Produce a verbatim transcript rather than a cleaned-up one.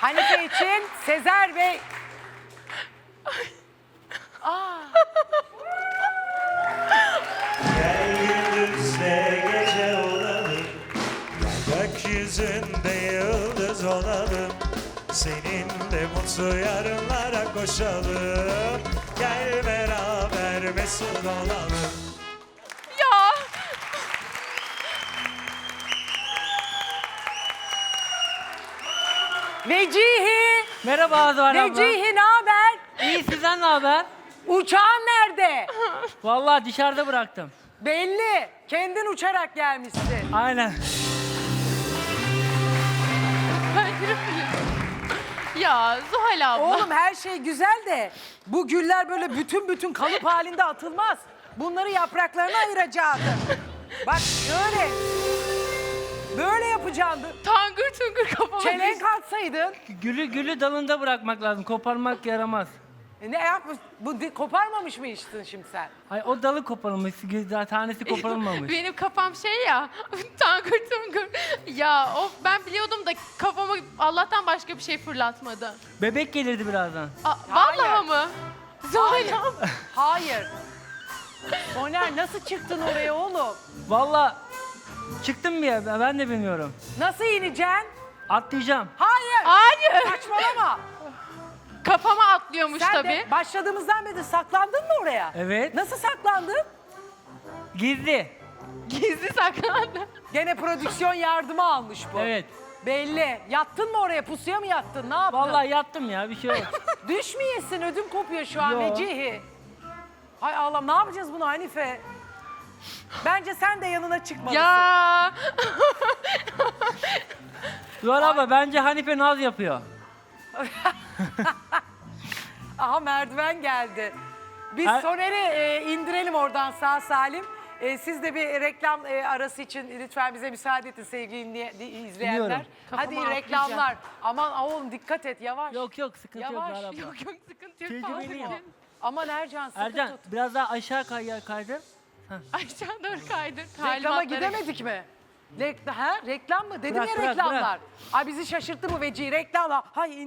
Hanife için Sezer Bey. Aa. Gel gündüzde gece olalım, gökyüzünde yıldız olalım. Seninle mutlu yarınlara koşalım. Gel beraber mesut olalım. Ya. Vecihi. Merhaba Zuhal abla. Vecihi ne haber? İyi, sizden ne haber? Uçağın nerede? Vallahi dışarıda bıraktım. Belli. Kendin uçarak gelmişsin. Aynen. Ya Zuhal abla. Oğlum her şey güzel de bu güller böyle bütün bütün kalıp halinde atılmaz. Bunları yapraklarına ayıracaksın. Bak şöyle. Böyle yapacaksın. Tangır tungur kafama Çelenk düştü. atsaydın. Gülü gülü dalında bırakmak lazım. Koparmak yaramaz. E ne yapmış? Bu di- koparmamış mı içtin şimdi sen? Ay o dalı koparılmış. güzel, Tanesi koparılmamış. Benim kafam şey ya. Tangır tungur. Ya of, ben biliyordum da kafamı Allah'tan başka bir şey fırlatmadı. Bebek gelirdi birazdan. Aa, Hayır. vallahi mı? Zuhal abla. Hayır. Soner nasıl çıktın oraya oğlum? Vallahi çıktım bir ya, ben de bilmiyorum. Nasıl ineceksin? Atlayacağım. Hayır. Hayır. Saçmalama. Kafama atlıyormuş Sen tabii. de başladığımızdan beri saklandın mı oraya? Evet. Nasıl saklandın? Gizli. Gizli saklandı. Gene prodüksiyon yardımı almış bu. Evet. Belli. Yattın mı oraya? Pusuya mı yattın? Ne yaptın? Vallahi yattım ya, bir şey yok. Düşmeyesin. Ödüm kopuyor şu an Yo. Vecihi. Hay Allah, ne yapacağız bunu Hanife? Bence sen de yanına çıkmalısın. Ya. Zuhal abla bence Hanife naz yapıyor. Aha merdiven geldi. Biz Her- Soner'i e, indirelim oradan sağ salim. E, siz de bir reklam e, arası için lütfen bize müsaade edin sevgili dinley- di- izleyenler. Biliyorum. Hadi Kafama reklamlar. Aman oğlum dikkat et yavaş. Yok yok, sıkıntı yok Yavaş, Zuhal abla. Yok yok, sıkıntı yok. Tecrübeliyim. Fazla. Aman Ercan sıkı Ercan tut. biraz daha aşağı kay kaydır. Aşağı doğru kaydır. Reklama Talimatları- gidemedik mi? Rekla, ha? Reklam mı? Dedim Bırak, ya bırak, reklamlar. bırak. Ay bizi şaşırttı bu Vecihi reklamlar. Hay